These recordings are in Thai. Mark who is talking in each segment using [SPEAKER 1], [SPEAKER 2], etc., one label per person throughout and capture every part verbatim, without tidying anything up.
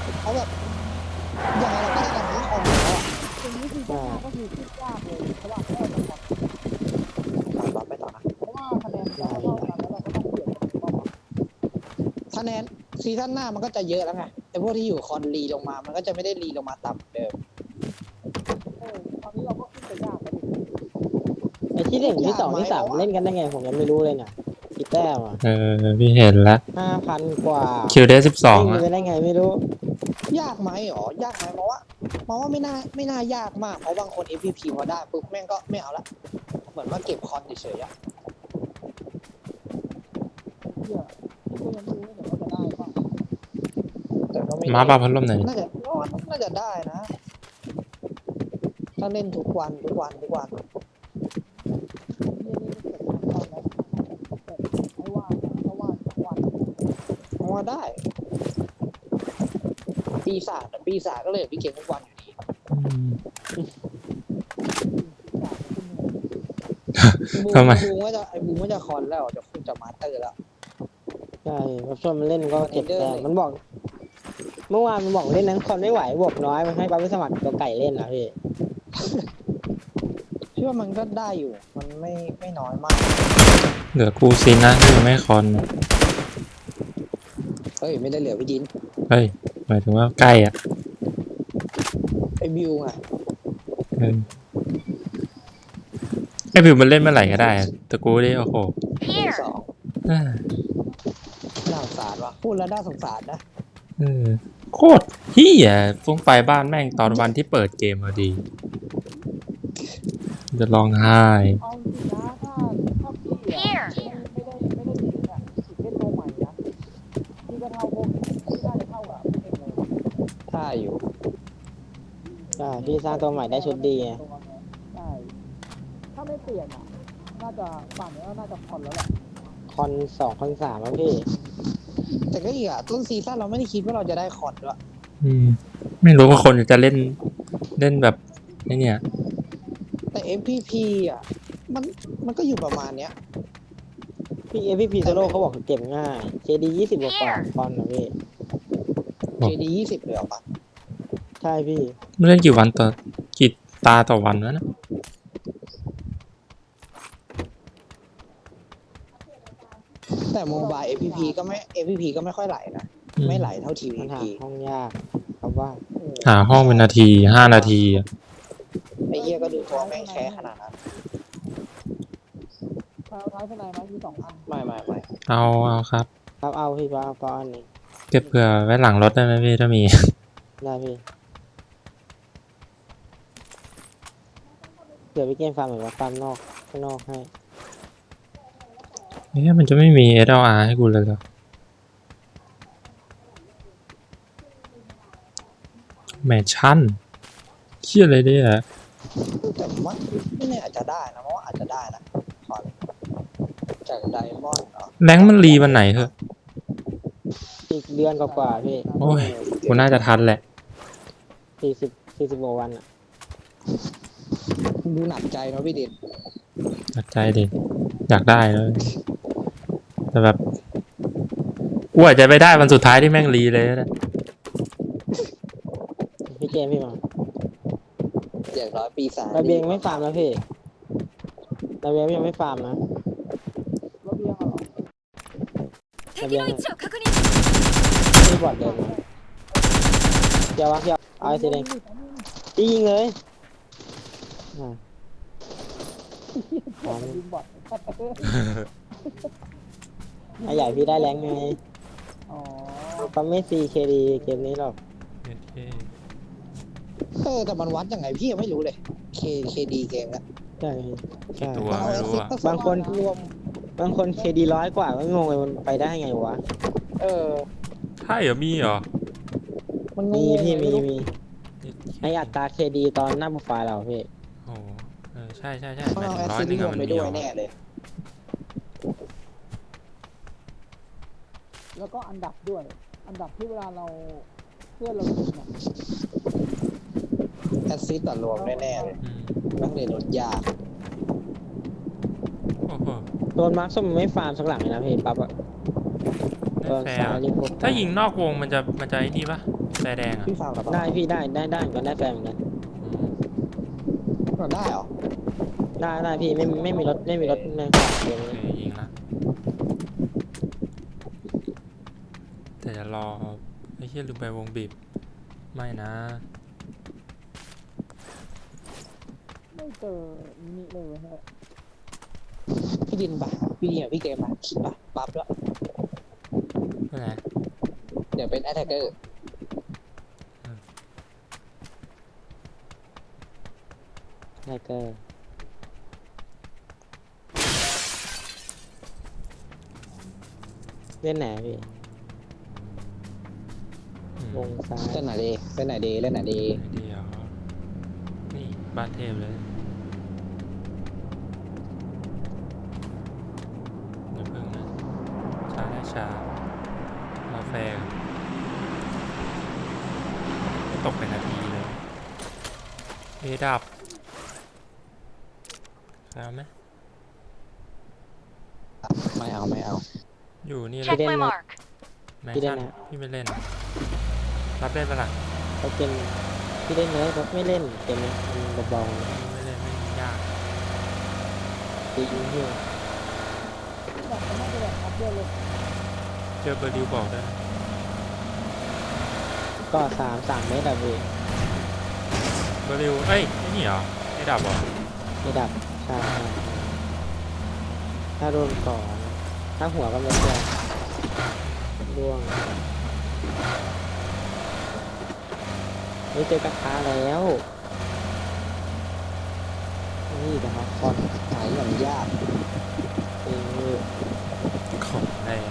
[SPEAKER 1] เพราะแบบยังไงเราก็ได้กันทั้งคอนแล้วอ่ะ
[SPEAKER 2] เป็นวิธีการก็คือคิดยากเลยเพราะว่าแค่จะพอ
[SPEAKER 1] ตามต่อไปต่อนะ
[SPEAKER 2] เพราะว่าคะแนนเราเท่ากันแล้วเราก็ต้องเปลี่ยนเป้าหมาย
[SPEAKER 1] คะแนนซีซั่นหน้ามันก็จะเยอะแล้วไงไอ้พวกที่อยู่คอนรีลงมามันก็จะไม่ได้รีลงมาต่ำเดิม
[SPEAKER 2] เออตอนนี้เราก็ขึ้นไปยากแล้วดิ
[SPEAKER 3] ไอ้ที่หนึ่งที่สองที่สามเล่นกันได้ไงผมยังไม่รู้เลยเนี่ยกี่แต้มอ่ะ
[SPEAKER 4] เออพี่เห็นแล้ว
[SPEAKER 3] ห้าพันกว่า
[SPEAKER 4] คิวเดสิบสอง
[SPEAKER 3] วิ่ง
[SPEAKER 4] อะ
[SPEAKER 3] ไปได้ไงไม่รู้
[SPEAKER 1] ยากไหมหรอยากไหมเพราะว่าเพราะว่าไม่น่าไม่น่ายากมากเพราะบางคน เอฟ พี พี พอได้ปุ๊บแม่งก็ไม่เอาละเหมือนว่าเก็บคอนเฉยๆอะ
[SPEAKER 2] เพื่อที่ก็ยังไม่รู้แต่ว่าจะได้ป่ะ
[SPEAKER 1] แต่ก็ไม่
[SPEAKER 4] มาปลาพัดลมไหนอย
[SPEAKER 1] น่าจะน่าจะได้นะ ถ้าเล่นทุกวันทุกวันทุกวัน
[SPEAKER 2] เรียนนี่เกิดขึ้นตอนแล้วแต่ไม่ว่าเพราะว่าสองวัน
[SPEAKER 1] เพราะว่าได้ ปีศาจอะปีศาจก็เลยพี่เก่งทุกวันอยู่ดี
[SPEAKER 4] อืม
[SPEAKER 1] บู
[SPEAKER 4] ทำไม
[SPEAKER 1] บูว่าจะไอ้บูว่าจะคอนแล้วจะคุณจะมาสเตอร์แล้ว
[SPEAKER 3] ใช่รับชมมันเล่นก็เก็บ
[SPEAKER 1] เดอร์
[SPEAKER 3] แต้ม
[SPEAKER 1] เลย
[SPEAKER 3] มันบอก เมื่อวานมันบอกเล่นนั้นคอนไม่ไหวบวกน้อยมันให้ปั๊บไปสมัครตัวไก่เล่นนะพี่
[SPEAKER 1] พี่ว่ามันก็ได้อยู่ มันไม่ไม่น้อยมาก
[SPEAKER 4] เหลือกูซินนะที่ยังไม่คอน
[SPEAKER 1] เฮ้ย ไม่ได้เหลือพี่ดิน
[SPEAKER 4] เฮ้ยหมายถึงว่าใกล้อ่ะ
[SPEAKER 1] ไอ้บิวไง
[SPEAKER 4] เออไอพิวมันเล่นเมื่อไหร่ก็ได้อะแต่กูได้โอ้โห
[SPEAKER 1] สอง
[SPEAKER 4] อ่า
[SPEAKER 1] น่าสงสารวะพูดแล้วน่าสงสารนะ
[SPEAKER 4] เออโคตรเฮียฟุ้งไปบ้านแม่งตอนวันที่เปิดเกมพอดี จะร้องไห้
[SPEAKER 2] เอาจริงนะถ้าถ้าพี่อะไม่ไม่ได้ไม่ได้ถึงอ่ะถึงเล่นตัวใหม่นะพี่ก็เท่าพวกพี่น่าจะเท่ากับเองเลย
[SPEAKER 1] ถ้าอยู่
[SPEAKER 3] ใช่พี่สร้างตัวใหม่ได้ชุดดีไง
[SPEAKER 2] ใช่ถ้าไม่เปลี่ยนอ่ะน่าจะป่านนี้ก็น่าจะผ่อนแล้วแหละ
[SPEAKER 3] คอนสองคอนสามแล้วพี่
[SPEAKER 1] แต่ก็อีกอะต้นซีซั่นเราไม่ได้คิดว่าเราจะได้คอนด้วย
[SPEAKER 4] อืม ไม่รู้ว่าคนจะเล่นเล่นแบบไอ้เนี่ย
[SPEAKER 1] แต่ เอฟ พี พี อ่ะ มันมันก็อยู่ประมาณเนี้ย
[SPEAKER 3] พี่เอฟพีโซโล่เขาบอกเก็บง่ายเคดียี่สิบกว่าคอนนะพี่
[SPEAKER 4] อ๋อ
[SPEAKER 1] เค ดี ยี่สิบเลยเหรอปะ
[SPEAKER 3] ใช่พี่
[SPEAKER 4] ไม่เล่นกี่วันต่อกี่ตาต่อวันวะนะ
[SPEAKER 1] แต่โมบาย เอฟ พี พี ก็ไม่ เอฟ พี พี ก็ไม่ค่อยไหลนะ
[SPEAKER 4] อืม
[SPEAKER 1] ไม่ไหลเท่าที
[SPEAKER 3] มันหา
[SPEAKER 1] พี
[SPEAKER 3] ห้องยากครับว่า
[SPEAKER 4] หาห้องเป็นนาทีห้านาทีอะ
[SPEAKER 1] ไอ้เหี้ยก็ดูตัวแม่งแค่ขนาดนั้น
[SPEAKER 2] ท้ายท้ายเป็นไรไหมมีสองอัน
[SPEAKER 1] ไม่ไม่ไม่
[SPEAKER 4] เอาเอาครับ
[SPEAKER 3] ครับเอาพี่ว่าก้อนนี้
[SPEAKER 4] เก็บเผื่อไว้หลังรถได้ไหมพี่ถ้ามี
[SPEAKER 3] ได้พี่เดี๋ยวพี่เกมฟาร์มเหมือนว่าฟาร์มนอกข้างนอกให้
[SPEAKER 4] เอ๊ะมันจะไม่มี เอส แอล อาร์ ให้กูเลยเหรอแมชชั่นเชี่ยอะไรเนี่ย
[SPEAKER 1] แต่ผมว่าไม่แน่อาจจะได้นะเพราะว่าอาจจะได้นะขอเลยจากไดมอนด์เนาะ
[SPEAKER 4] แรงค์มันรีวันไหนเหรอ
[SPEAKER 3] อีกเดือนกว่าๆพี่
[SPEAKER 4] โอ้ยกูน่าจะทันแหละ
[SPEAKER 3] สี่สิบสี่สิบกว่าวันอ่ะ
[SPEAKER 1] ดูหนักใจเนาะพี่ดิน
[SPEAKER 4] อยากใจดิอยากได้เลยแต่แบบกูอาจจะไปได้วันสุดท้ายที่แม่งรีเลยนะ
[SPEAKER 3] พี่เกมพี่มา
[SPEAKER 1] อย่างน้อยปีศาจ
[SPEAKER 3] ระเบียงไม่ฟาร์มแล้วพี่ระเบียงยังไม่ฟาร์มนะ
[SPEAKER 2] ระเบียงอะเหรอ
[SPEAKER 3] ระเบียงนี่บอดเดินมาเดี๋ยววะเดี๋ยวเอาไอ้สีแดงยิงเลยอ่าฟาร์ม
[SPEAKER 2] ยิงบอด
[SPEAKER 3] ไอ้ใหญ่พี่ได้แรงไง
[SPEAKER 2] อ๋อ
[SPEAKER 3] ปั๊มไม่ซีเคดีเกมนี้หรอก
[SPEAKER 1] เออแต่มันวัดยังไงพี่ยังไม่รู้เลย เคเคดีเกมนะ
[SPEAKER 3] ใช่ใช่
[SPEAKER 4] ตัวไม่รู้อะ
[SPEAKER 3] บางคน
[SPEAKER 1] รวม
[SPEAKER 3] บางคนเคดีร้อยกว่าก็งงเลยมันไปได้ไงวะ
[SPEAKER 1] เออ
[SPEAKER 4] ใช่เหรอมีเหรอ
[SPEAKER 1] มันง
[SPEAKER 3] มี
[SPEAKER 1] ง
[SPEAKER 3] พี่มี
[SPEAKER 1] ไรู้
[SPEAKER 3] มีไออัตราเคดีตอนหน้าโปรไฟล์เราพี่
[SPEAKER 4] โอ้โหเออใช่ใช่ใช่
[SPEAKER 1] เขา
[SPEAKER 4] หมาย
[SPEAKER 1] เอา
[SPEAKER 4] ถึ
[SPEAKER 1] แอง ส
[SPEAKER 4] ร้อ
[SPEAKER 1] ซิ
[SPEAKER 4] ย
[SPEAKER 1] ส
[SPEAKER 4] หนึง
[SPEAKER 1] รว
[SPEAKER 4] อะ
[SPEAKER 1] ม
[SPEAKER 4] มัน
[SPEAKER 1] ไป
[SPEAKER 4] มี
[SPEAKER 1] ด้วย
[SPEAKER 4] เหรอ
[SPEAKER 1] แน่เลย
[SPEAKER 2] แล้วก็อันดับด้วย อันดับที่เวลาเราเพื่อนเรายิงอ่ะ
[SPEAKER 1] แอสซิสต์ต่อรวมแน่ๆเลย
[SPEAKER 4] อืม
[SPEAKER 1] แม่งเลยลดยาก
[SPEAKER 4] โอ้โห
[SPEAKER 3] โดนมาร์คส้มไม่ฟาร์มสักหลังเลยนะพี่ปั๊บอะ
[SPEAKER 4] แน่
[SPEAKER 3] ตัว
[SPEAKER 4] แฟร์
[SPEAKER 3] ซ้าย
[SPEAKER 4] อะ
[SPEAKER 3] รีบพก
[SPEAKER 4] ถ้ายิงนอกวงมันจะมันจะไอ้นี่ปะแฟร์แดงอ่ะ
[SPEAKER 1] พี่ฟาวกับ
[SPEAKER 3] ได้พี่ได้ได้ได้เหมือนกันได้แฟนเหมือนกัน
[SPEAKER 4] อืม
[SPEAKER 1] มันได้เหรอ
[SPEAKER 3] ได้ได้พี่ไม่ไม่มีรถไม่มีรถในขอบเกม
[SPEAKER 4] โอเคยิงละแต่จะรอไอ้เหี้ยลืมไปวงบีบไม่นะ
[SPEAKER 2] ไม่เจอมินิเลยฮะ
[SPEAKER 1] พี่ดินปะพี่ดินกับพี่เกมปะคิดปะปั๊บแล้ว
[SPEAKER 4] ไปไหน
[SPEAKER 1] เดี๋ยวเป็นแอตแทกเกอร์
[SPEAKER 3] ได้เกอร์เล่นไหนพี่
[SPEAKER 4] อืม
[SPEAKER 3] วงซ้าย
[SPEAKER 1] เล่นไหนดีเล่นไหนดีเล่นไหนดี
[SPEAKER 4] เดียวนี่บ้านเทพเลยอย่าเพิ่งนะช้าได้ช้าเราแฟร์ไม่ตกเป็นนาทีเลยเอดับเอาไหม
[SPEAKER 1] ไม่เอาไม่เอา
[SPEAKER 4] อยู่นี่เล
[SPEAKER 5] Check
[SPEAKER 4] ย
[SPEAKER 5] my mark.
[SPEAKER 4] แมนชั่นพี่ไม่เล่น รับเล่นปะล่ะ
[SPEAKER 3] เขาเกมพี่เล่นเลยเขาไม่เล่นเกมนี้มันเบา
[SPEAKER 4] ไม่เล่นไม่ยาก
[SPEAKER 3] ๆตียิงพี่
[SPEAKER 2] แบบมันน่าจะแบบอัพเดทเลย
[SPEAKER 4] เจอเบอร์ดิวบอกด้วยนะ
[SPEAKER 3] ก็สามสามเมตรอะพี่
[SPEAKER 4] เบอร์ดิวเอ้ยไอ้นี่เหรอไอ้ดับเหรอ
[SPEAKER 3] ไม่ดับใช่ใช่ถ้าโดนก่อนถ้าหัวก็ไม่เชื่อร่วงนี่เจอกระทะแล้วนี่นะครับคอน
[SPEAKER 1] หายอย่างยาก
[SPEAKER 3] เองนี่
[SPEAKER 4] ของแรง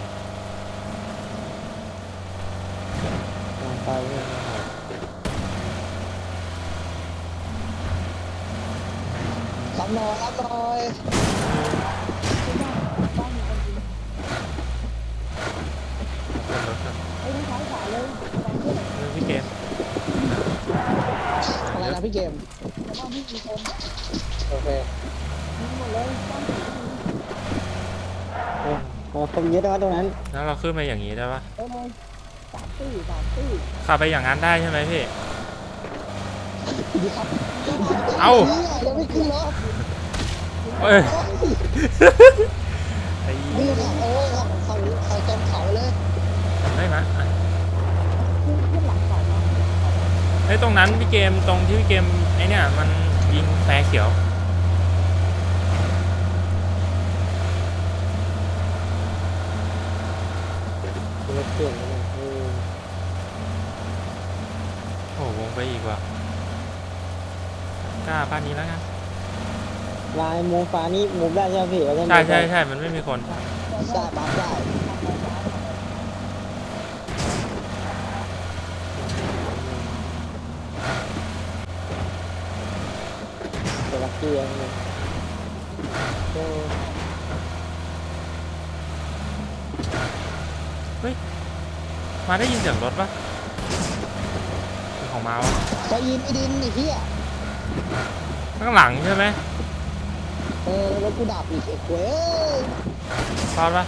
[SPEAKER 3] ลองไปเรื่อยๆ
[SPEAKER 1] รับหน่อยรับหน่อย
[SPEAKER 4] ขึ้นรถครับ
[SPEAKER 2] ไอ้ทั้งซ้ายขวาเลยตามเพื่อน
[SPEAKER 4] เรื่องพี่เกม
[SPEAKER 1] อะไรนะพี่เกม
[SPEAKER 2] แล้วก็พี่มีคน
[SPEAKER 1] โอเค
[SPEAKER 2] ยิงหมดเลยบ้านผีก็มี
[SPEAKER 3] โอ้โหคนเยอะด้วยวะตรงนั้น
[SPEAKER 4] แล้วเราขึ้นไปอย่างนี้ได้ปะ
[SPEAKER 2] เออเลยสามตี้สามตี้
[SPEAKER 4] ขับไปอย่างนั้นได้ใช่ไหมพี่
[SPEAKER 1] ดีครับ
[SPEAKER 4] เอ้า
[SPEAKER 1] เนี่ยยังไม่ขึ้นรถ
[SPEAKER 4] เอ้ยไอ้
[SPEAKER 1] นี่ค่ะโอ้ยครับเขาเขาเต็มเขาเลย
[SPEAKER 4] ทำได้ไหมอ่ะ
[SPEAKER 2] ขึ้นขึ้นหลังเขามา
[SPEAKER 4] ไอ้ยตรงนั้นพี่เกมตรงที่พี่เกมไอ้เนี่ยมันยิงแฟร์เขียว
[SPEAKER 3] รถเปลี่ยนแล้วนะเออ
[SPEAKER 4] โอ้โหวงไปอีกว่ะกล้าบ้านนี้แล้วกัน
[SPEAKER 3] ลายมูฟ้านี่มูฟได้ใช่ไหมพี่เราเล่น
[SPEAKER 4] ใช่ใช่ใช่มันไม่มีคน
[SPEAKER 1] ได้ปั๊บได้
[SPEAKER 3] เดี๋ยวลักกี้อันนี้โอ้
[SPEAKER 4] มาได้ยินเสียงรถปะเป็นของมาวะ
[SPEAKER 1] ไปยินไอ้ดินไอ้เหี้ย
[SPEAKER 4] ข้างหลังใช่ไหม
[SPEAKER 1] เออรถกูดับอีกไอ้เว้ย
[SPEAKER 4] รอดปะ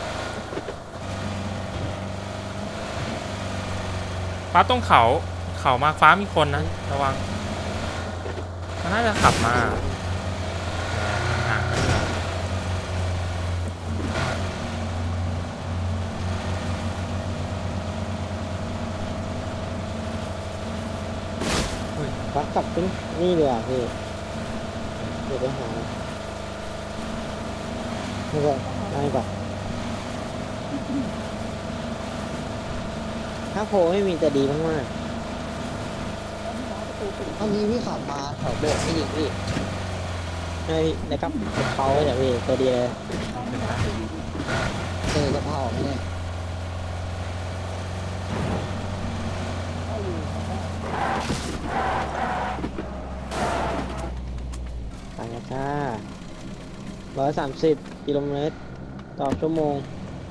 [SPEAKER 4] ฟ้าตรงเขาเขามาฟ้ามีคนนะระวังมันน่าจะขับมาห่างๆนั่นแหละ
[SPEAKER 3] ฟักกลับขึ้นนี่เลยอ่ะพี่เดี๋ยวไปหาไม่ก่อนไม่ก่อนถ้าโพลไม่มีจะดีมาก
[SPEAKER 1] ถ้ามีพี่ขับมาแถวโบสถ์ไม่ยิงพี่
[SPEAKER 3] ๆให้แล้วก็เขาเนี่ยพี่ตัวดีเลย
[SPEAKER 1] เออกระเพราไม่แน่
[SPEAKER 3] ไปนะจ้าร้อยสามสิบกิโลเมตรต่อชั่วโมง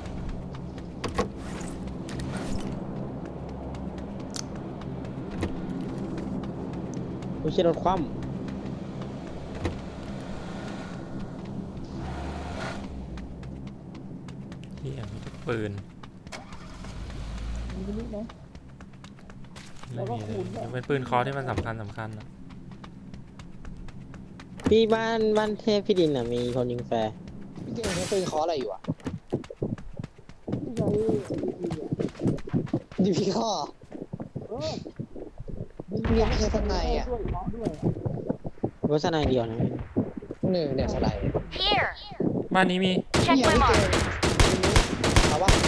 [SPEAKER 3] ไม่ใช่รถคว่ำ
[SPEAKER 4] ที่มีทุกปืน
[SPEAKER 2] มีมินิไหม
[SPEAKER 4] ไม่มีเลยยกเป็นปืนเคอที่มันสำคัญสำคัญอะ
[SPEAKER 3] พี่บ้านบ้านเทพพี่ดินอ่ะมีคนยิงแฟร์
[SPEAKER 1] พี่เก่งใช้ปืนเคออะไรอยู่อ่ะ
[SPEAKER 2] ที่ใช้ดีดีอ่ะ
[SPEAKER 1] ดีพีข้อ
[SPEAKER 2] เออ
[SPEAKER 1] ยังไม่ใช่สไนด์อ่ะ
[SPEAKER 2] ด้วยเคาะด้วย
[SPEAKER 3] วัฒนายเดียวนะพี่
[SPEAKER 1] หนึ่งเนี่ยสไนด์
[SPEAKER 5] Here.
[SPEAKER 4] บ้านนี้มี
[SPEAKER 5] Check
[SPEAKER 1] พี่
[SPEAKER 5] my
[SPEAKER 1] พี่เก่
[SPEAKER 5] mark.
[SPEAKER 1] งเอาว่า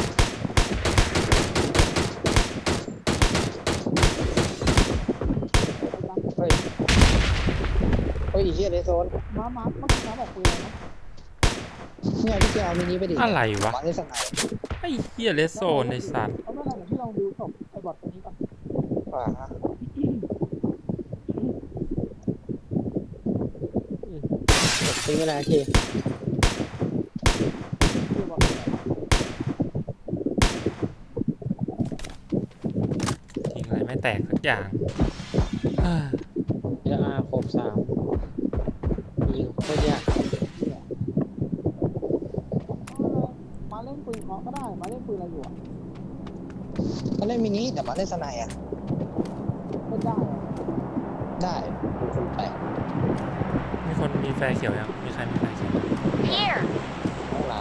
[SPEAKER 1] เฮ้ยเฮ้ยอีเหี้ยเลโซน
[SPEAKER 2] ม้าม้าเมื่อกี้ม้าบอกปืนอะไรนะ
[SPEAKER 1] เนี่ยพี่เก่งเอามินิไปดิ
[SPEAKER 4] อะไรวะ
[SPEAKER 1] มาเล่นสไนด์
[SPEAKER 4] ไอ้เหี้ยเลสโซนในสัตว์
[SPEAKER 2] เอาไม่เป็นไรเดี๋ยวพี่ลองดูศพไอ้บอทตัวนี้ก่อน
[SPEAKER 1] อ่าฮะ
[SPEAKER 3] เป็นเวลาที่
[SPEAKER 2] เดี๋ยวบอทตัวไหน
[SPEAKER 4] ทิ้งอะไรไม่แตกสักอย่างอ่า
[SPEAKER 3] เออาครบสามยิงโคตรยาก
[SPEAKER 2] เนี่ยมาเล่นปืนเคาะก็ได้มาเล่นปืนอะไรอยู่อ่ะ
[SPEAKER 1] มาเล่นมินิแต่มาเล่นสไนด์อ่ะ
[SPEAKER 2] เล่นได้เหรอ
[SPEAKER 1] ได้ดูคนแปลก
[SPEAKER 4] มีคนมีแฟร์เขียวยังมีใครมีแฟร์เขียว
[SPEAKER 5] Here.
[SPEAKER 1] ห้องน้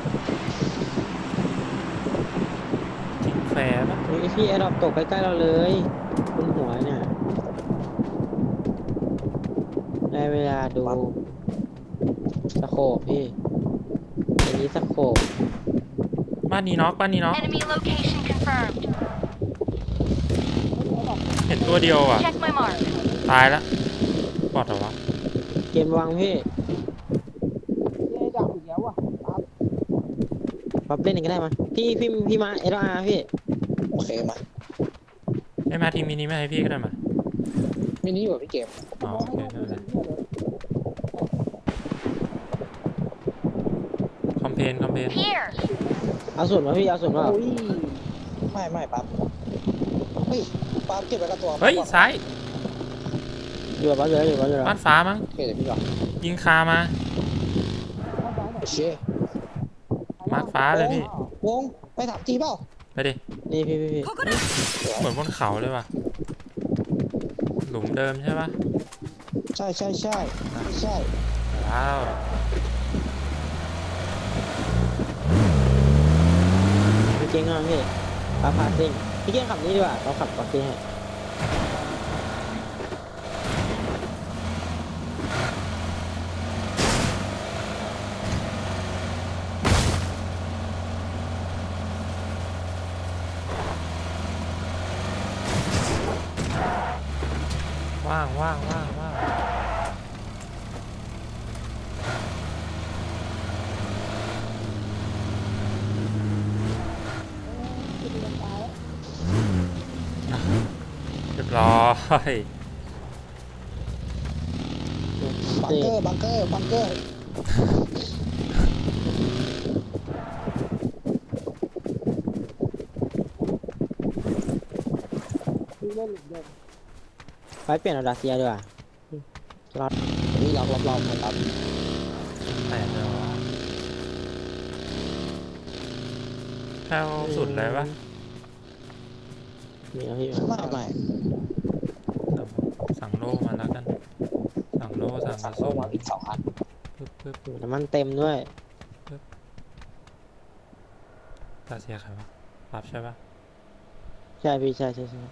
[SPEAKER 4] ทิ้งแฟร์ปะ
[SPEAKER 3] เฮ้ยพี่แอร์ดรอปตกใกล้ๆเราเลยบนหัวเนี่ยได้เวลาดูสโคปพี่อันนี้สโคป
[SPEAKER 4] บ้านนี้น็อกบ้านนี้น็อก
[SPEAKER 5] Enemy location confirmed.
[SPEAKER 4] เห็นตัวเดียวอ่ะ
[SPEAKER 5] Check my mark.
[SPEAKER 4] ตายละบอดเหรอวะ
[SPEAKER 3] เกมวางพี่
[SPEAKER 2] เย่ดับอีกแล้วอ่ะปั๊บ
[SPEAKER 3] ปรับเล่นหนึ่งก็ได้มาพี่พี่พี่มาเออาร์พี่
[SPEAKER 1] ำโอเคมา
[SPEAKER 4] ไอ้มาทีมมินิไม่ให้พี่ก็ได้มา
[SPEAKER 1] มินิอยู่กับพี่เกม
[SPEAKER 4] อ๋อโอเคไม่เป็นไรคอมเพนคอมเพน
[SPEAKER 5] Here.
[SPEAKER 3] เอาส่วนมาพี่เอาส่วนมา
[SPEAKER 1] โอ้ยไม่ไม่ปั๊บเฮ้ยปั๊บเก็บไว้กับตัว
[SPEAKER 4] เฮ้ยซ้าย
[SPEAKER 3] อยู่กับบ้านเลยอยู่กับบ้านเลย
[SPEAKER 4] บ้านฟ้ามั้ง
[SPEAKER 1] โอเคเดี๋ยวพี่ก่อน
[SPEAKER 4] ยิงคามา
[SPEAKER 2] เข้าซ้ายหน่อย
[SPEAKER 1] โอเค
[SPEAKER 4] มาร์คฟ้าเลยพี่
[SPEAKER 1] วงไปถามจีเปล่า
[SPEAKER 4] ไปดิ
[SPEAKER 3] นี่พี่พี่พี่
[SPEAKER 4] เหมือนบนเขาเลยว่ะหลุมเดิมใช่ปะ
[SPEAKER 1] ใช่ใช่ใช่ใช่
[SPEAKER 4] ว้าว
[SPEAKER 3] พี่เก่งมากพี่ปาพาซิ่งพี่เก่งขับนี้ดีกว่าเราขับปาซิ่งให้
[SPEAKER 4] ว่างว่างว่างว่าง
[SPEAKER 2] จะมีกันตาย
[SPEAKER 4] เรียบร้อย
[SPEAKER 1] บังเกอร์บังเกอร์บังเกอร์
[SPEAKER 2] คือเล่นหลุมเดิม
[SPEAKER 3] ไปเปลี่ยนเอาดาเซียดีกว่าล็อต
[SPEAKER 1] นี่ล็อกรอบๆครับ
[SPEAKER 4] แตกเลยวะแค่สุดเลยปะ
[SPEAKER 3] มีเอาพี่
[SPEAKER 1] ไม่ไม่
[SPEAKER 4] สั่งโล่มาแล้วกัน สั่งโล่สั่งก
[SPEAKER 1] สั่
[SPEAKER 4] ระ
[SPEAKER 1] งโล
[SPEAKER 4] สุน
[SPEAKER 1] มาอีกสองอัน
[SPEAKER 4] ปึ๊บปึ๊บ
[SPEAKER 3] น้ำมันเต็มด้วย
[SPEAKER 4] ตาเสียใครวะรับใช่ปะ
[SPEAKER 3] ใช่พี่ใช่ใช่ใช่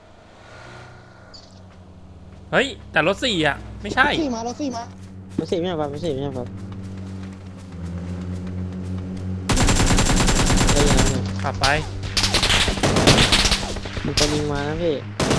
[SPEAKER 4] เฮ้ย แต่รถสี่อ่ะ ไม่ใช่
[SPEAKER 1] ซี่มาแล้วซี่มา
[SPEAKER 3] ไม่ใช่ไม่ใช่ครับไม่ใช่ไม่ใช่ครับได้ยังไงเนี่ย
[SPEAKER 4] ขับไป
[SPEAKER 3] มันจะยิงมานะพี่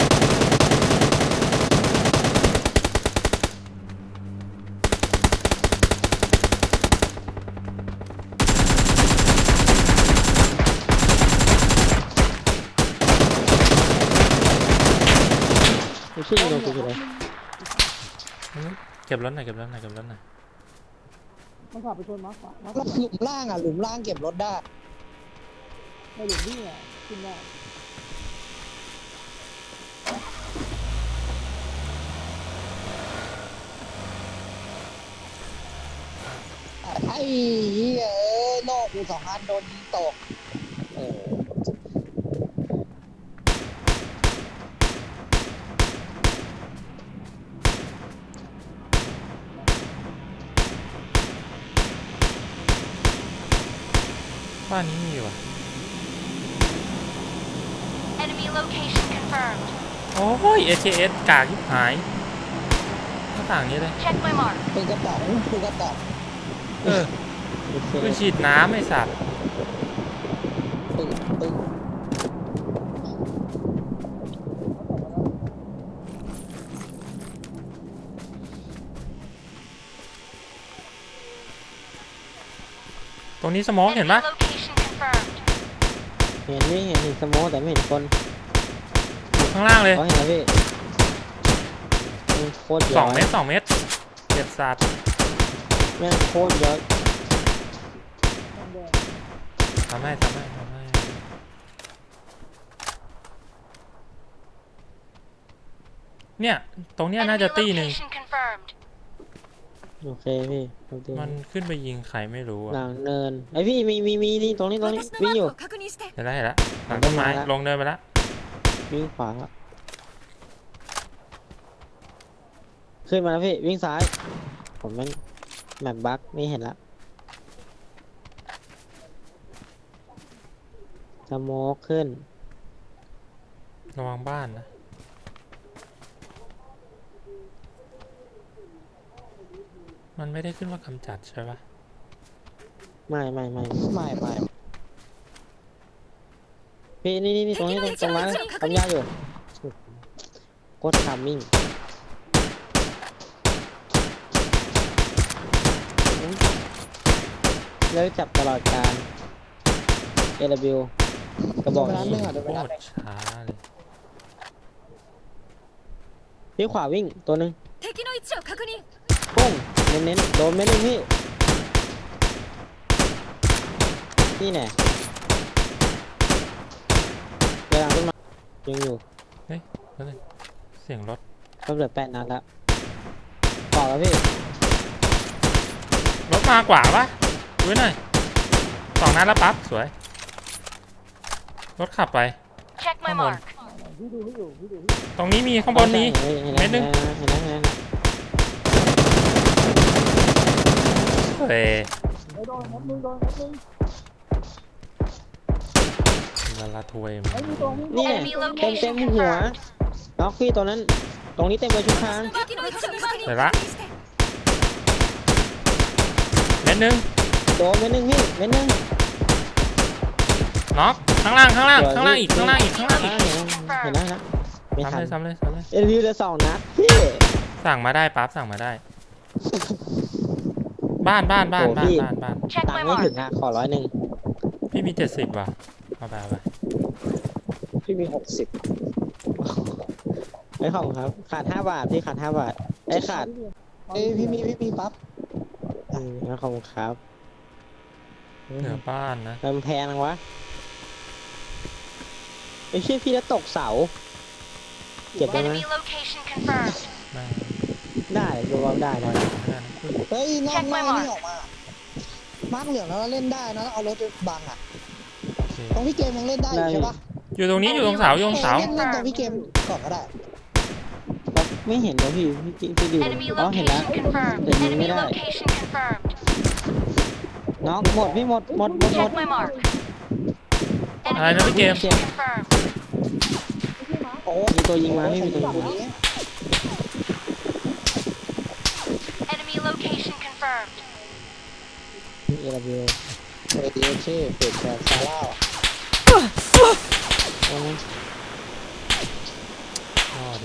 [SPEAKER 3] ไม่ใช่ยิงโดนกูเลย
[SPEAKER 4] เก็บรถหน่อยเก็บรถหน่อยเก็บรถหน่อย
[SPEAKER 2] มันขับไปชนมาร์คฟ้ามาร์ค
[SPEAKER 1] แล้วหลุมล่างอ่ะหลุมล่างเก็บรถได้
[SPEAKER 2] ในหลุมนี่อ่ะขึ้นได้
[SPEAKER 1] ไอ้เหี้ยเอ้ยโลกกูสองอันโดนยิงตกเออ
[SPEAKER 4] านนี้มีว่ะ
[SPEAKER 5] Enemy location confirmed.
[SPEAKER 4] โอ้ย เอ เจ เอส กากยิบหายหน้าต่างนี้เลย
[SPEAKER 5] Check my mark.
[SPEAKER 1] ปืนกระป๋องปืนกระป๋อง
[SPEAKER 4] เออปืนฉีดน้ำไอ้สัตว์
[SPEAKER 1] ปืนปืน
[SPEAKER 4] ตรงนี้สโมองเห็น
[SPEAKER 5] Enemy
[SPEAKER 4] ปะ
[SPEAKER 5] location confirmed.
[SPEAKER 3] เห็นนี่เห็นเห็นสโมอแต่ไม่เห็นคน
[SPEAKER 4] อยู่ข้างล่างเลย
[SPEAKER 3] เขาเห็นแล้วพี่มันโคตรเย
[SPEAKER 4] ส
[SPEAKER 3] อะ
[SPEAKER 4] องเมตรสองเมตรเจ็บสัตว์
[SPEAKER 3] แม่งโคตรเยอะ
[SPEAKER 4] ทำให้ทำให้ทำให้เนี่ยตรงเนี้ย
[SPEAKER 5] Enemy
[SPEAKER 4] น่าจะตีหนึ่ง
[SPEAKER 5] location confirmed.
[SPEAKER 3] โอเคพี่โอเค
[SPEAKER 4] มันขึ้นไปยิงใครไม่รู้
[SPEAKER 3] ห
[SPEAKER 4] อะ
[SPEAKER 3] ลังเนินไอพี่มีมีมีนี่ตรงนี้ตรงนี้
[SPEAKER 6] 私の
[SPEAKER 3] วิ่ง
[SPEAKER 6] マ
[SPEAKER 3] อยู่
[SPEAKER 6] ークを確認して
[SPEAKER 4] เห็นแล้วเห็นแล้วหลังต้นไม้
[SPEAKER 3] มาแล้ว
[SPEAKER 4] ลงเนินไปแล้ว
[SPEAKER 3] วิ่งขวาขึ้นมาแล้วพี่วิ่งซ้าย ผมแม่งแมปบั๊กไม่เห็นละสโมกขึ้น
[SPEAKER 4] ระวังบ้านนะมันไม่ได้ขึ้นว่ากำจัดใช่ปะ
[SPEAKER 3] ไม่ไม่ไม่
[SPEAKER 1] ไม่ไม่
[SPEAKER 3] พี่นี่นี่นี่ตรงนี้ตรงตรงนั้นทำยากอยู่โคตรทามมิ่งเลิกจับตลอดการ เอ ดับเบิลยู กระบอก
[SPEAKER 1] เดินไปร้านหนึ
[SPEAKER 3] นี้
[SPEAKER 1] งอ่ะเดิน
[SPEAKER 4] โค
[SPEAKER 1] ไปร้าน
[SPEAKER 4] ต
[SPEAKER 1] ห
[SPEAKER 4] ร
[SPEAKER 1] นึง
[SPEAKER 4] ช้าเลย
[SPEAKER 3] พี่ขวาวิ่งตัวหนึ่ง
[SPEAKER 6] 敵の位置を確認
[SPEAKER 3] ปุ้งเน้นๆโดนไม่ได้พี่นี่แน่เวลาขึ้นมายังอยู่
[SPEAKER 4] แล้วเลยเสียงรถ
[SPEAKER 3] ก็เหลือแปดนัดแล้วต่อแล้วพี่
[SPEAKER 4] รถมากว่าปะดูหน่อยสองนัดแล้วปั๊บสวยรถขับไป
[SPEAKER 5] Check my
[SPEAKER 4] Come on.
[SPEAKER 5] mark.
[SPEAKER 4] ตรงนี้มีข้างบนนี้
[SPEAKER 3] เห็น
[SPEAKER 4] เม็
[SPEAKER 3] แล้ว
[SPEAKER 4] ดหนึ่ง
[SPEAKER 3] เห็นแล้วเห็นแล้วเห็นแล้ว
[SPEAKER 4] เฮ้ย
[SPEAKER 2] โดนนัดนึงโดนนัดนึง
[SPEAKER 4] ลาลาทวย
[SPEAKER 2] ไอ้มีตรงนี้
[SPEAKER 3] นี่แหละ
[SPEAKER 5] Enemy
[SPEAKER 3] เต็มเต็ม
[SPEAKER 5] location
[SPEAKER 3] หัว
[SPEAKER 5] confirmed.
[SPEAKER 3] น็อกพี่ตัวนั้น ตรงนี้เต็มเลยชุดทาง
[SPEAKER 6] 敵の位置を確認
[SPEAKER 4] เดี๋ยวละ
[SPEAKER 6] 確認して
[SPEAKER 4] เม็ดหนึ่ง
[SPEAKER 3] โดนเม็ดหนึ่งพี่เม็ดหนึ่ง
[SPEAKER 4] น็อกข้างล่างข้างล่างข้างล่างอีกข้างล่างอีกข้างล่าง
[SPEAKER 3] อ่า
[SPEAKER 4] อีก
[SPEAKER 3] เห็นแล้วเห็นแล้วเห็นแล้วไม่ทัน
[SPEAKER 4] ซ้ำเลยซ้ำเลยซ้ำเลย
[SPEAKER 3] เอ็นวิวเหลือสองนัดพี่
[SPEAKER 4] สั่งมาได้ปั๊บสั่งมาได้ บ้านบ้านบ้านบ้านบ้านบ้าน
[SPEAKER 5] Check
[SPEAKER 3] ตัง
[SPEAKER 5] my
[SPEAKER 3] ค์ไม่
[SPEAKER 5] mark.
[SPEAKER 3] ถึงอ่ะขอร้อยหนึ่ง
[SPEAKER 4] พี่มีเจ็ดสิบว่ะเอาไปเอาไป
[SPEAKER 1] พี่มีหกสิบ
[SPEAKER 3] ไม่ของครับ ขาดห้าบาทพี่ขาดห้าบาทไอ้ยขาด
[SPEAKER 1] เอ้ยพี่มีพี่มีปั๊บ
[SPEAKER 3] อืมแล้วของครับ
[SPEAKER 4] เหนือบ้านนะ
[SPEAKER 3] มันแพงนังวะไอ้เชี่ยพี่แล้วตกเสา เก็บได้ไหม
[SPEAKER 5] Enemy location confirmed.
[SPEAKER 4] แม่ง
[SPEAKER 3] ได้ดูว่าได้
[SPEAKER 4] ลอ
[SPEAKER 3] นะ
[SPEAKER 4] ยเพื่อน
[SPEAKER 1] เฮ้ยนอก
[SPEAKER 5] Check
[SPEAKER 1] น
[SPEAKER 5] my
[SPEAKER 1] อก
[SPEAKER 5] mark
[SPEAKER 1] นี่ออกมามาร์กเหลืองแล้วเล่นได้นะเอารถไปบังอ่ะ
[SPEAKER 4] โอเค
[SPEAKER 1] ตรงพี่เกมยังเล่นได้อยู่ใช่ปะ
[SPEAKER 4] อยู่ตรงนี้อยู่ตรงเสาอยู่ตรงเสา
[SPEAKER 1] เล่นเล่นตรงพี่เกมก่อนก็ได้
[SPEAKER 3] ไม่เห็นเลยพี่พี่พี่ดู
[SPEAKER 5] Enemy
[SPEAKER 3] อ๋อเห็นแล้ว
[SPEAKER 5] location confirmed.
[SPEAKER 3] แต่ยิงไม่
[SPEAKER 5] Enemy
[SPEAKER 3] ได้
[SPEAKER 5] location confirmed.
[SPEAKER 3] น้องหมดพี่หมดหมดหมดหม
[SPEAKER 5] Check
[SPEAKER 3] ด
[SPEAKER 5] my mark.
[SPEAKER 4] อะไร
[SPEAKER 5] Enemy
[SPEAKER 4] นะพี่เกม
[SPEAKER 5] location confirmed.
[SPEAKER 1] โอ้
[SPEAKER 3] มีตัวยิงมาพี่มีตัวยิงมา
[SPEAKER 1] นี้
[SPEAKER 5] Enemy location confirmed.
[SPEAKER 3] เอราเบล
[SPEAKER 1] เอดีเช่เฟดแชร์ซาร่า
[SPEAKER 3] เอาไหม
[SPEAKER 4] อ๋อดิ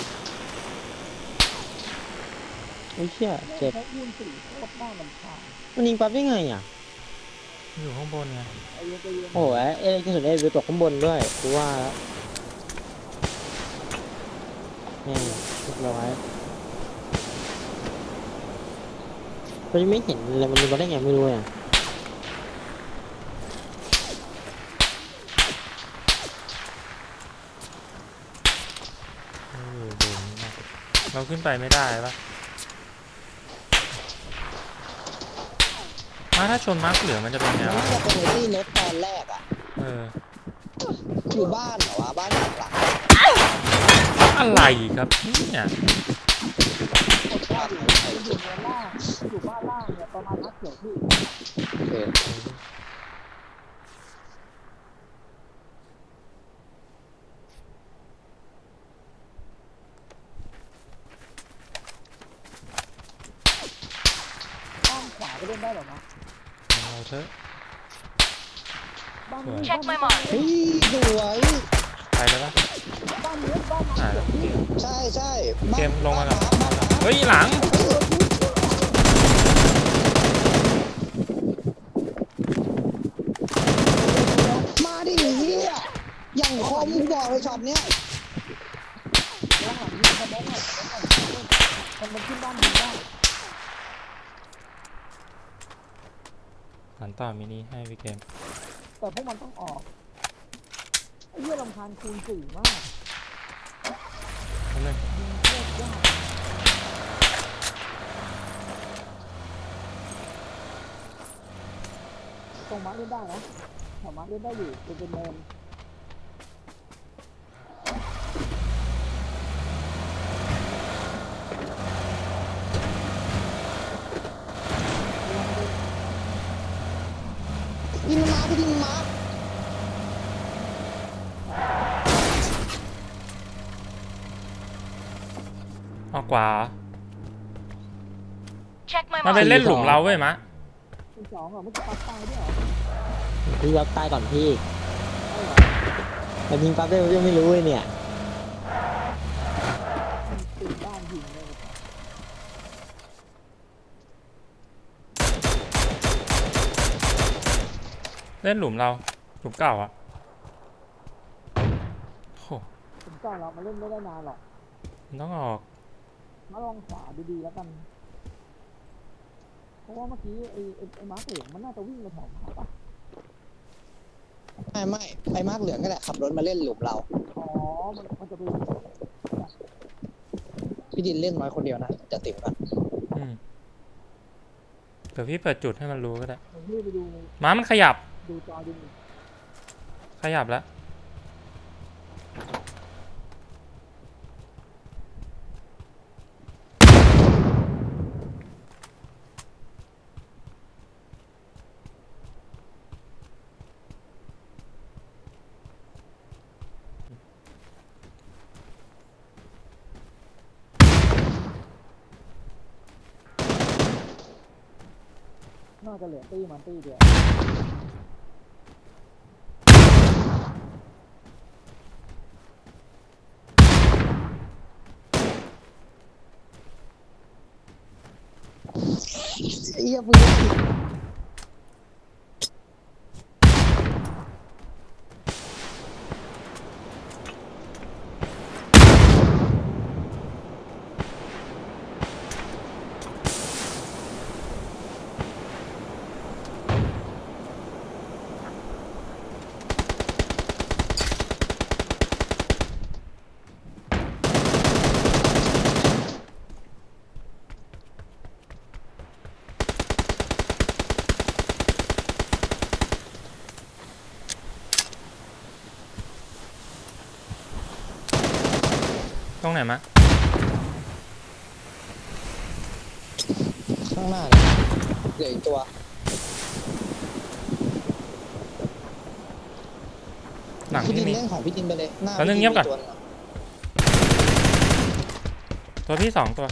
[SPEAKER 3] โอ้ยเชี่ยเจ็บ
[SPEAKER 2] ใช้ยืนสี่โคตรน่ารำคาญ
[SPEAKER 3] มันยิงปั๊บได้ไงอ่ะ
[SPEAKER 4] อยู่ข้างบนไง
[SPEAKER 2] ไอ้เหี้ยใจเย็น
[SPEAKER 3] โอ้ยเอ้ยกระสุนเอราเบลตกข้างบนด้วยกูว่าแล้วนี่เรียบร้อยมันไม่เห็นเลยมันยิงมาได้ไงไม่รู้อ่ะ
[SPEAKER 4] เออโดนมากเราขึ้นไปไม่ได้ปะมาถ้าชนมาร์กเหลืองมันจะเป็นไง
[SPEAKER 1] น่าว
[SPEAKER 4] ะ
[SPEAKER 1] จะเป็นที่รถตอนแรกอ่ะ
[SPEAKER 4] เออ
[SPEAKER 1] อยู่บ้านเหรอวะบ้านหลังหลัง
[SPEAKER 4] อะไรครับเนี่ย
[SPEAKER 1] บ้านหลังไหน
[SPEAKER 2] อยู่บนล่างอยู่บ้านล่างเนี่ยประมาณนัดเดียวพี่
[SPEAKER 1] โอเค
[SPEAKER 2] เล่นได้หรอนะ
[SPEAKER 4] เอาเถอะ
[SPEAKER 2] บ้านนี้
[SPEAKER 5] Check my mark
[SPEAKER 1] เฮ้ยสวย
[SPEAKER 4] ไปเลยปะ
[SPEAKER 2] บ้านนี้บ้าน
[SPEAKER 4] อ่าแล้ว
[SPEAKER 1] ใช่ใช่
[SPEAKER 4] เกมลงมาก่อน
[SPEAKER 1] บ้านหมา
[SPEAKER 4] เฮ้ยหลัง
[SPEAKER 1] มาดิเฮียอย่างคมกูบอกเลยช็อตเนี้ย
[SPEAKER 2] บ้านหลังนี้มันบ้านหลังมันมันขึ้นบ้านนี้ได้
[SPEAKER 4] หันต่อมินิให้พี่เกม
[SPEAKER 2] แต่พวกมันต้องออกไอ้เหี้ยลำคาญคูณสี่มาก
[SPEAKER 4] แป๊บนึง
[SPEAKER 2] ยิงเลือดยากตรงมาร์คเล่นได้นะแถวมาร์คเล่นได้อยู่เป็นเป็นเนิน
[SPEAKER 1] ยิงมันมาพี่ยิงมันมา
[SPEAKER 4] ออกขวา
[SPEAKER 5] Check my
[SPEAKER 4] มันไป
[SPEAKER 5] mark.
[SPEAKER 4] เล่นหลุมเราเว้ยมะ
[SPEAKER 2] เป็นสองเหรอไม่จะปัดตายด้วยเหรอ
[SPEAKER 3] พี่รับตายก่อนพี่
[SPEAKER 2] ใช่เหรอ
[SPEAKER 3] แต่ยิงปั๊บได้ยังไม่รู้เลยเนี่ย
[SPEAKER 2] มันตีบ้านยิงเลย
[SPEAKER 4] เล่นหลุมเราหลุมเก่าอะโห
[SPEAKER 2] ผมก่อนเรามาเล่นไม่ได้นานหรอก
[SPEAKER 4] มันต้องออก
[SPEAKER 2] มาลองขวาดีๆแล้วกัน เพราะว่าเมื่อกี้ไอ้ไอ้ไอ้มาร์คเหลืองมันน่าจะวิ่งมาแถวขวาปะ
[SPEAKER 1] ไม่ไม่ไอ้มาร์กเหลืองก็แหละขับรถมาเล่นหลุมเรา
[SPEAKER 2] อ๋อ มันมันจะไป
[SPEAKER 1] พี่ดินเล่นน้อยคนเดียวนะจะติ่มกัน
[SPEAKER 4] อืมเดี๋ยวพี่เปิดจุดให้มันรู้ก็ได้
[SPEAKER 2] ผมรีบไปดู
[SPEAKER 4] ม้ามันขยับ
[SPEAKER 2] ดูจอดู
[SPEAKER 4] ขยับแล้ว
[SPEAKER 2] น่าจะเหลือตี้มันตี้เดียว
[SPEAKER 1] เฮียปืน
[SPEAKER 4] ตรงไหนมะ
[SPEAKER 1] ข้างหน้าเลยเหลืออีกตัว
[SPEAKER 4] หลัง
[SPEAKER 1] พี่ดิ
[SPEAKER 4] ที่
[SPEAKER 1] น
[SPEAKER 4] มี
[SPEAKER 1] เล่นของพี่ดินไปเลยหน้า
[SPEAKER 4] แป๊บนึง
[SPEAKER 1] พี่
[SPEAKER 4] เงียบก่อน
[SPEAKER 1] มีตัวหงะ
[SPEAKER 4] ตัวพี่สองตัว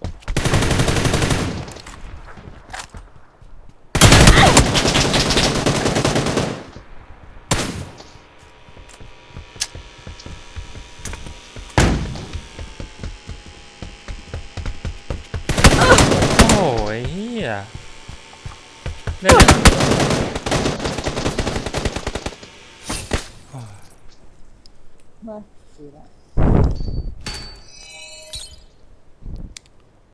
[SPEAKER 4] โอ้ยเฮียเล่นเลยนะ
[SPEAKER 2] มาดีแล้ว